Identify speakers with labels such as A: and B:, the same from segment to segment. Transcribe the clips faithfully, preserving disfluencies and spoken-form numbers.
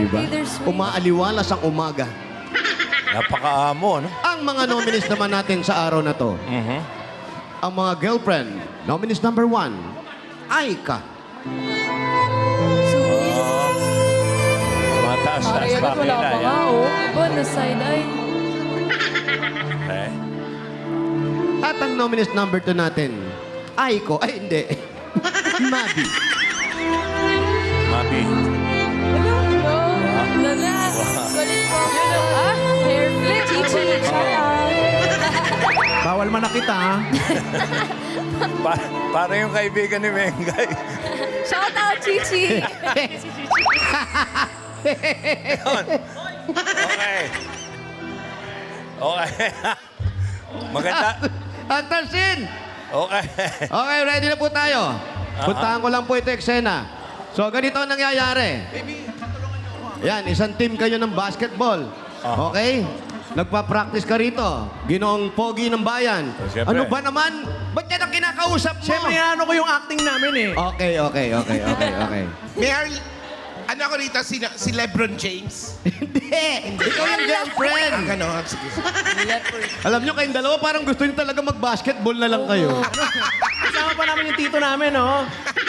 A: Diba?
B: Bittersweet.
A: Umaaliwalas ang umaga.
C: Napaka-amo, no?
A: Ang mga nominees naman natin sa araw na to,
C: Mhm.
A: ang mga girlfriend, nominees number one, Aika.
C: Mataas-taas
B: Mariana,
C: pa
B: wala
C: kila
B: pa nga,
C: yan.
B: oh. Ba, na side-eye.
C: Okay.
A: At ang nominees number two natin, Aiko. Ay, hindi. Mabi.
C: Mabi.
B: Ano? No. Lala. Galit po. Ah, hair flip. Chichi. Shout out.
D: Bawal manakit ha.
C: Pa para yung kaibigan ni Mengay.
B: Shout out, Chichi.
C: Yun. Okay. Okay. Maganda.
A: Hunter Sin!
C: Okay.
A: Okay, ready na po tayo. Puntahan ko lang po ito eksena. So, ganito ang nangyayari. Yan, isang team kayo ng basketball. Okay? Nagpa-practice ka rito. Ginoong pogi ng bayan.
C: Siyempre.
A: Ano ba naman? Ba't yan ang kinakausap mo?
D: Siyempre, ano ko yung acting namin eh.
A: Okay, okay, okay, okay, okay.
E: Mayor, ano ako rito? Si, si Lebron James?
A: Hindi! Ikaw yung girlfriend!
E: Ang gano'n. Sige.
A: Alam nyo, kayong dalawa parang gusto nyo talaga mag-basketball na lang kayo.
D: Kasama pa namin yung tito namin, oh.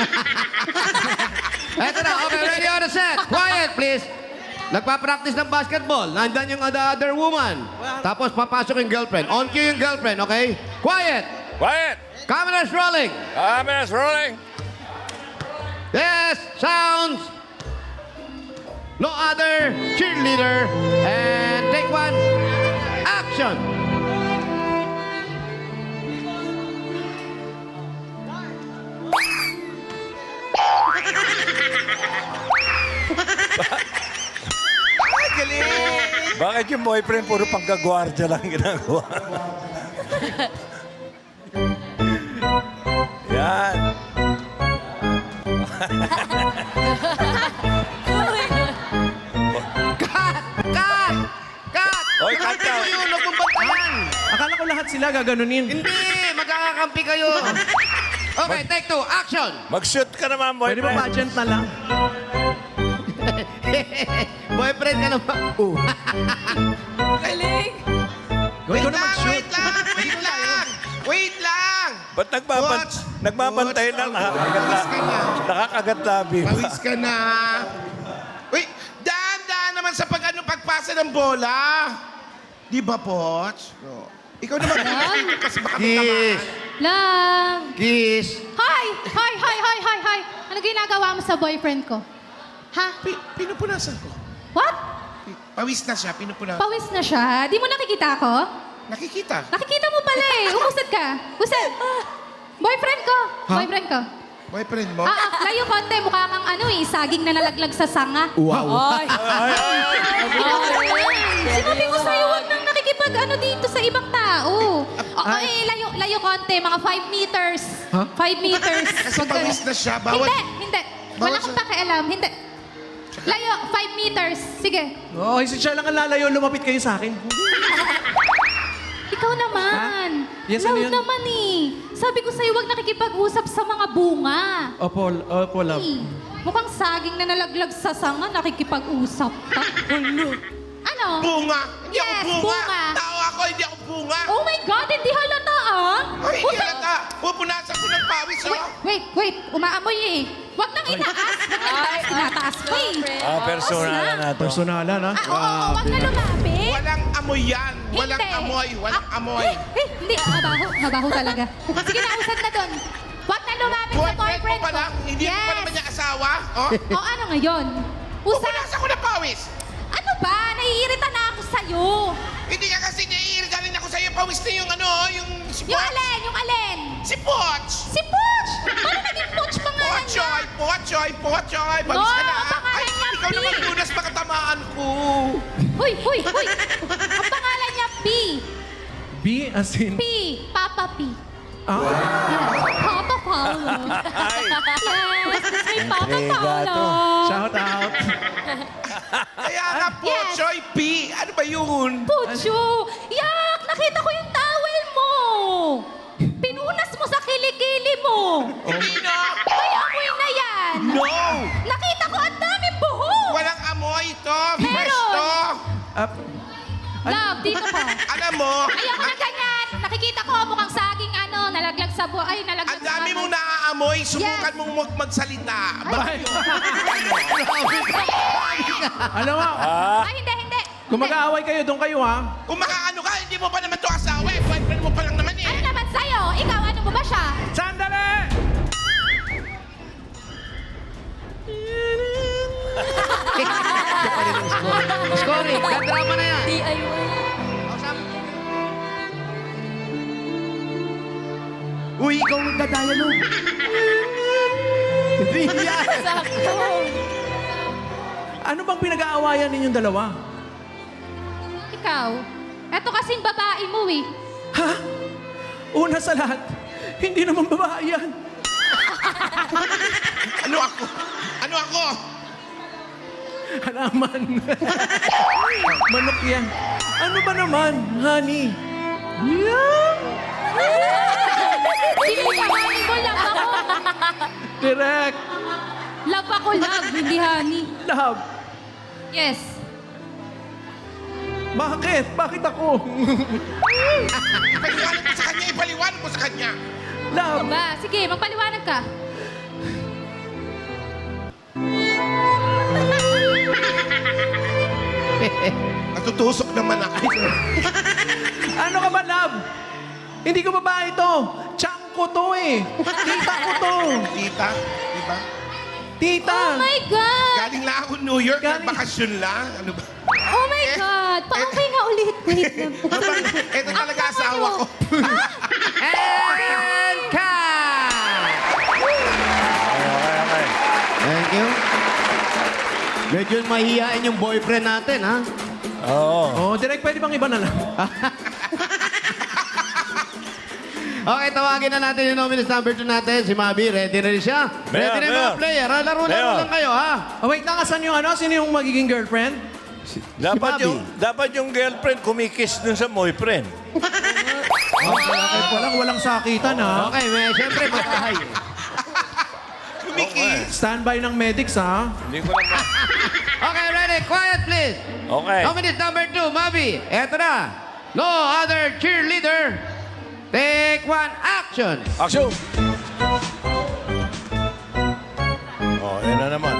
A: Eto na, okay, ready on the set. Quiet, please. Nagpa-practice ng basketball. Nandyan yung the other woman. Tapos papasok yung girlfriend. On cue yung girlfriend, okay? Quiet!
C: Quiet.
A: Camera's rolling.
C: Cameras rolling.
A: Yes, sounds. No other cheerleader. And take one. Action.
E: Ay, galing.
C: Bakit yung boyfriend puro panggagwardya lang ginagawa? Yan.
A: Cut! Cut! Cut!
C: Oy, cut
A: Nakita mo
C: out.
A: yun, nagbubantayan.
D: Akala ko lahat sila gaganunin.
A: Hindi, magkakakampi kayo. Okay, take two. Action.
C: Mag-shoot ka naman,
D: Pwede ba
C: boyfriend.
D: pageant na lang?
A: Boyfriend ka naman. Uh.
B: Galing.
D: Gawin ko
E: Wait
D: na
E: lang,
D: mag-shoot.
E: wait lang, wait lang. Wait lang.
C: Ba't nagbaban
E: Watch.
C: nagbabantay
E: Watch.
C: na? Nakakagat
E: Pawis ka na.
C: Nakakagat labi.
E: Pawis ka na. Wait, daan-daan naman sa pag, ano, pagpasa ng bola. Di ba, Poch? Oh. Ikaw naman, kasi baka may
A: Kiss.
E: tamaan.
F: Lang!
A: Kiss.
F: Hi! Hi, hi, hi, hi, hi! Ano ginagawa mo sa boyfriend ko? Ha?
E: Pi- pinupunasan ko.
F: What?
E: Pi- Pawis na siya, pinupunasan.
F: Pawis na siya. Di mo nakikita ako?
E: Nakikita.
F: Nakikita mo pala eh. Umusad ka. Usad. Boyfriend ko. Boyfriend ko.
E: Boyfriend mo?
F: Ah, ah, layo konti. Mukha kang ano eh. Saging na nalaglag sa sanga.
A: Wow.
B: Ay.
F: Sinabi ko sa'yo, huwag nang nakikipag ano dito sa ibang tao. Oo eh, layo, layo konti. Mga five meters. Five meters.
E: Kasi
F: Huwag ka-
E: pawis na siya. Bawal.
F: Hindi, hindi.
E: Bawal
F: Wala kang
E: siya.
F: pakialam. Hindi. Layo, five meters. Sige.
D: Oo, oh, siya lang ang lalayo. Lumapit kayo sa akin.
F: Ikaw naman.
D: Ha? Yes,
F: Love
D: ano yun?
F: naman eh. Sabi ko sa'yo, huwag nakikipag-usap sa mga bunga.
D: Opo, opo, love.
F: Eh, mukhang saging na nalaglag sa sanga, nakikipag-usap ka. Ano?
E: Bunga. Hindi
F: Yes,
E: ako bunga.
F: bunga.
E: Tao ako, hindi ako bunga.
F: Oh my God, hindi halata ah.
E: Ay,
F: Huwag
E: hindi
F: nang-
E: halata. Pupunasan ko ng pawis,
F: Wait,
E: oh.
F: wait, wait. Umaamoy eh. Huwag nang itaas. Huwag nang itaas. Tinataas ko eh.
C: Ah, personal na to.
D: Personalan, ha?
F: Ah, oo, oo, huwag na lumapit.
E: Walang amoy yan. Walang
F: Hindi.
E: amoy. Walang
F: Ah,
E: amoy.
F: Eh, eh, hindi. Mabaho. Mabaho talaga. Sige na, usad na doon. Huwag na lumapit sa
E: Boyfriend mo
F: boyfriend ko.
E: pala. Hindi mo pa
F: Yes.
E: naman niya asawa. Oh.
F: O ano ngayon? Usad.
E: Pupunasan ko ng pawis.
F: Ano ba? Naiirita na ako sa'yo.
E: Hindi ka kasi naiirita rin ako sa'yo. Pawis na yung ano, yung si
F: Yung
E: Poch.
F: alin? Yung alin?
E: Si Poch.
F: Si Pooch! Paano naging Pooch pangalan niya?
E: Pochoy, Pochoy, Pochoy. Pawis
F: No,
E: ka na.
F: pangalan
E: Ay,
F: niya,
E: ikaw
F: P.
E: naman lunas makatamaan ko.
F: Huy, huy, huy. Ang pangalan niya, P.
D: B as in...
F: P. Papa P.
D: Ah,
F: Papa Paolo.
C: Ay.
F: Yes, that's my Papa
C: Intriga
F: Paolo.
C: to.
D: shout out.
E: Kaya nga, Pochoy P. Ano ba yun?
F: Pucho! Yak! Nakita ko yung towel mo! Pinunas mo sa kilikili mo!
E: Hindi na.
F: May amoy na yan!
E: No.
F: Nakita ko ang daming buhok!
E: Walang amoy ito. Alam mo,
F: Ayoko na ganyan. Nakikita ko mukhang saging ano, nalaglag sa buhay. Ay, nalaglag
E: ang dami
F: sa
E: mong naaamoy, subukan
F: Yes.
E: mong mag- magsalita.
D: Ay. Alam mo,
C: Ah,
F: Ay, hindi, hindi.
D: kung mag-aaway kayo, doon kayo ha.
E: Kung makaano ka, hindi mo pa naman to asawa eh. Boyfriend mo pa lang naman
F: Ano
E: eh.
F: naman sa'yo? Ikaw, ano mo ba siya?
D: Sandali!
A: Scoring, kadrama na yan.
B: D I Y.
A: Uy, ikaw ang nagdadialog. Hindi yan.
B: Sakto.
D: Ano bang pinag-aawayan ninyong dalawa?
F: Ikaw. Eto kasing babae mo eh.
D: Ha? Una sa lahat, hindi naman babae yan.
E: Ano ako? Ano ako?
D: Halaman. Manok yan. Ano ba naman, honey? Yeah.
F: Sino ka, honey mo? Love ako.
D: Direct.
F: Love ako, love. Hindi honey.
D: Love.
F: Yes.
D: Bakit? Bakit ako?
E: Ipaliwanag mo sa kanya, ipaliwanag mo sa kanya.
D: Love.
F: Ano ba? Sige, magpaliwanag ka.
E: Natutusok naman ako.
D: Ano ka ba, love? Hindi ko babae to. Chang ko to eh. Tita ko to.
E: Tita, di ba?
D: Tita.
F: Oh my God!
E: Galing lang ako New York,
D: Galing-
E: nagbakasyon lang. Ano ba?
F: Oh my God! Paungkay nga ulit. Wait lang po.
E: Ito talaga asawa ko.
A: And cut!
C: okay, okay.
A: Thank you. Medyo mahihain yung boyfriend natin, ha?
C: Oo.
D: Oh, direct, pwede bang iba na lang?
A: Okay, tawagin na natin yung nominees number two natin. Si Mabi, ready na rin siya?
C: Mayor,
A: ready na yung mga
C: Mayor.
A: player. ha? Laro-laro
C: Mayor.
A: lang kayo, ha?
D: Oh, wait lang, asan yung ano? Sino yung magiging girlfriend?
C: Dapat
A: Bobby.
C: yung, dapat yung girlfriend kumikiss dun sa boyfriend.
D: Oh, okay po lang, walang sakitan ha.
A: Okay, may, siyempre, magkahay.
E: Kumikis.
D: Standby ng medics ha.
C: Hindi ko lang ma-
A: Okay, ready? Quiet, please.
C: Okay.
A: Nominees number two, Mabi. Eto na. No other cheerleader. Take one, action.
C: Action! Oh, yan na naman.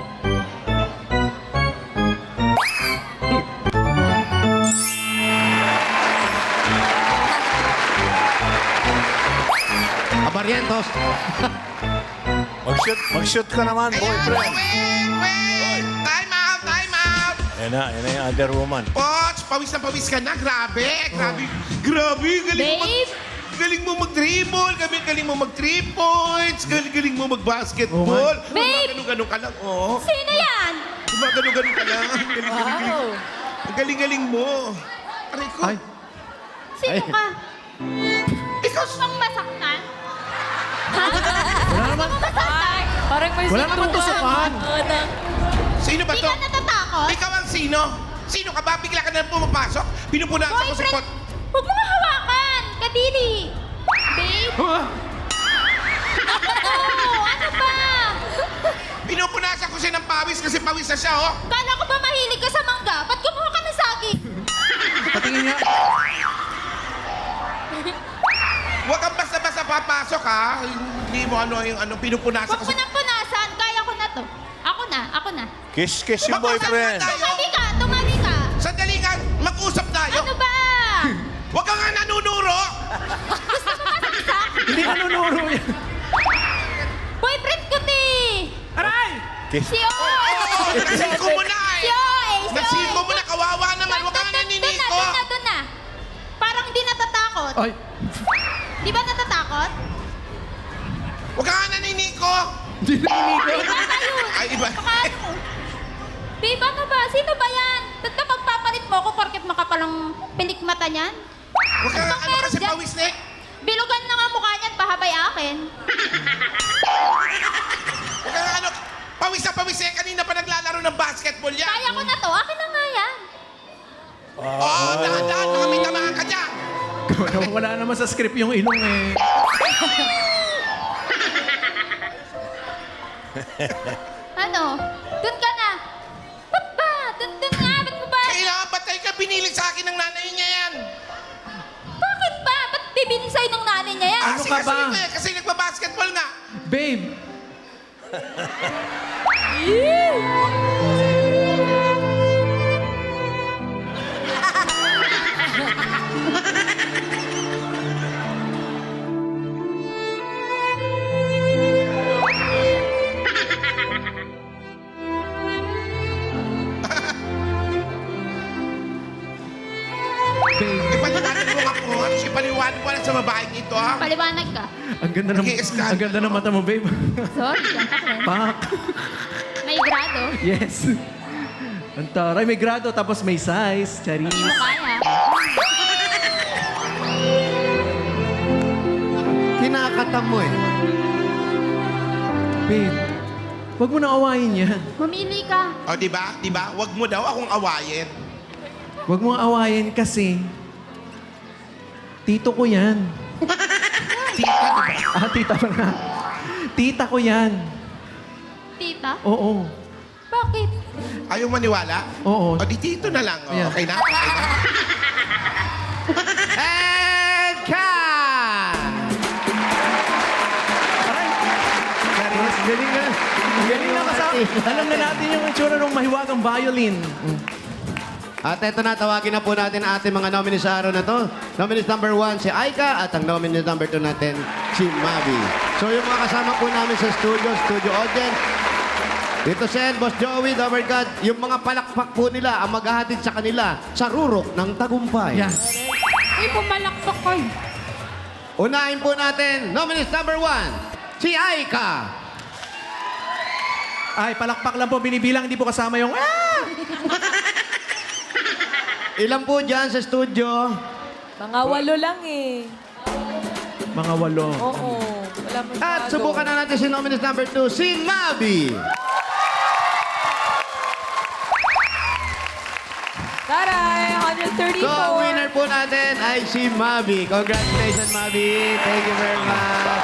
A: Abarientos.
C: Mag-shoot, mag-shoot ka naman,
E: Ayan,
C: boyfriend.
E: wait, wait! Time out, time out!
C: Yan na, yan na yung other woman.
E: Poch, pawis na pawis ka na. Grabe, grabe. Grabe, galing mo mag...
F: Babe?
E: Galing mo mag-dribble, galing, galing mo mag-three points, galing, galing mo mag-basketball.
F: Babe!
E: Ganun-ganun ka lang, oh.
F: Sino yan?
E: Ganun-ganun ka lang. Galing-galing.
B: Wow.
E: Ang galing-galing mo. Aray ko.
D: Ay,
F: Sino
A: Ay.
F: ka?
E: Ikaw,
F: Pang masaktan? Ha?
D: wala naman.
B: Ay, parang may
D: Wala naman
B: sinubukan.
D: tusukan.
B: Oo na.
E: sino ba
F: Hindi
E: to?
F: ka natatakot?
E: Ikaw ang sino? Sino ka ba? Bigla ka na pumapasok? Pinupunasan ko sa
F: Boyfriend!
E: pot.
F: Huwag mo nga hawakan! Kadiri! Babe?
D: Huh?
F: Ano? Ano ba?
E: Pinupunasan ko siya ng pawis kasi pawis na siya, oh.
F: Kala ko ba mahilig ka sa mangga? Ba't kumuha ka ng saging?
D: Patingin niya.
E: Huwag kang basta-basta papasok, ha? Hindi mo ano yung ano, pinupunasan
F: Huwag
E: ko
F: mo nang punasan. Kaya ko na to. Ako na, ako na.
C: Kiss-kiss yung
E: Mag-usap
C: boyfriend.
E: na tayo.
F: Tumabi ka, tumabi ka.
E: Sandali nga, mag-usap tayo.
F: Ano ba?
E: Huwag ka nga nanunuro.
D: Hindi nanunuro yan.
F: Boyfriend ko, ti!
D: Aray!
C: Kiss.
F: Si O!
E: Nasiko mo na,
F: Si
E: eh.
F: O! eh, Si O!
E: Nasiko mo na, kawawa naman. Huwag ka nga
F: Doon na,
E: naniniko.
F: doon na, doon na. Parang hindi natatakot.
D: Ay,
F: Di ba natatakot?
E: Huwag ka nga naniniko.
D: hindi naninigo.
F: Iba ba yun?
E: Ay, iba.
F: Baka ano? Babe, ano ba? Sino ba yan? Ba't ka magpapalit mo ako porket makapalang pilik mata niyan?
E: Huwag ka nga,
F: Ano
E: ano
F: meron
E: kasi
F: dyan?
E: pawis na, eh.
F: Bilugan na nga mukha niyan, pahabay akin.
E: Huwag ka nga, ano, pawis na pawis, eh. Kanina pa naglalaro ng basketball yan.
F: Kaya ko na to, akin na nga yan.
E: Oo, oh, dahan-dahan. Baka may tamaan ka dyan.
D: Wala naman sa script yung ilong eh.
F: Ano? Doon ka na. Ba't ba? Doon, doon nga, ba't mo ba?
E: Kailangan patay ka, binili sa akin ng nanay niya yan.
F: bibili sa'yo ng nanay niya yan.
D: Ano
E: Kasi
D: ka
E: kasi
D: ba?
E: ito eh, kasi nagbabasketball nga.
D: Babe, babe,
E: Ipaliwanag mo nga po. Ipaliwanag mo lang sa babaeng ito, ha?
F: Paliwanag ka.
D: ang ganda ng
E: Nag-i-scan.
D: ang ganda ng mata mo, babe.
F: Sorry, gantak rin.
D: Pak.
F: May grado.
D: Yes. Ang taray, may grado tapos may size. Charis.
F: Hindi mo kaya.
A: Kinakatam mo eh.
D: Babe, wag mo na awayin yan.
F: Mamili ka.
E: O, di ba? Di ba? Huwag mo daw akong awayin.
D: Wag mo awayin kasi tito ko yan.
E: Tita, di ba?
D: Ah, tita pa na. Tita ko yan.
F: Tita?
D: Oo.
F: Bakit?
E: Ayaw maniwala?
D: Oo.
E: O, di tito na lang. O,
D: Yeah.
E: okay na? Okay na?
A: And cut!
D: Charis, galing na. Galing na kasama. Alam na natin yung itsura ng mahiwagang violin.
A: At eto na, tawagin na po natin ang ating mga nominees sa araw na to. Nominees number one, si Aika. At ang nominees number two natin, si Mavi. So yung mga kasama po namin sa studio, studio audience, dito Sen, Boss Joey, Lover God, yung mga palakpak po nila ang maghahatid sa kanila sa rurok ng tagumpay.
D: Yeah.
F: Uy, pumalakpak kayo.
A: Unahin po natin, nominees number one, si Aika.
D: Ay, palakpak lang po. Binibilang, hindi po kasama yung... Ah!
A: Ilan po dyan sa studio?
B: Mga walo lang eh.
D: Mga walo.
B: Oo. Wala masyado.
A: At subukan na natin si nominees number two, si Mavi.
B: Taray! one
A: So,
B: thirty-four.
A: ang winner po natin ay si Mavi. Congratulations, Mavi. Thank you very much.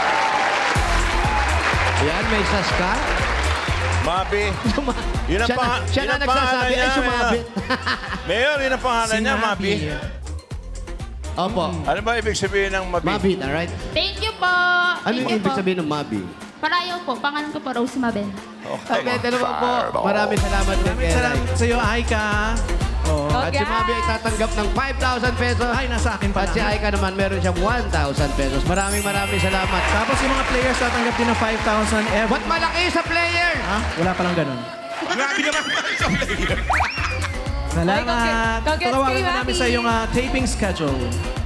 A: Ayan, may sas ka.
C: Mabi. Yun ang
A: Siya na,
C: pang-
A: siya
C: yun
A: na
C: ang pangalan
A: nagsasabi, ay
C: niya,
A: sumabit.
C: Mayor, yun ang pangalan niya, Mabi.
A: Opo.
C: Ano ba ibig sabihin ng Mabi?
A: Mavi, alright?
F: Thank you po.
A: Ano
F: Thank
A: yung
F: you
A: ibig
F: po.
A: sabihin ng Mavi?
F: Parayaw po. Pangalan ko po, Rose Mabel.
C: Okay.
A: Okay, dalawa po. Maraming salamat din.
D: Maraming salamat sa iyo, Aika. Oh.
A: At si Mavi ay tatanggap ng five thousand pesos.
D: Ay, nasa akin pa
A: At si Aika naman, meron siyang one thousand pesos. Maraming maraming salamat.
D: Tapos yung mga players tatanggap din ng five thousand every...
A: Ba't malaki sa player?
D: Ha? Wala palang ganun.
E: Grabe naman sa player.
D: Salamat.
B: Ay, congrats- congrats
D: Tawagan
B: kay
D: na namin
B: Mavi.
D: sa iyong ah, taping schedule.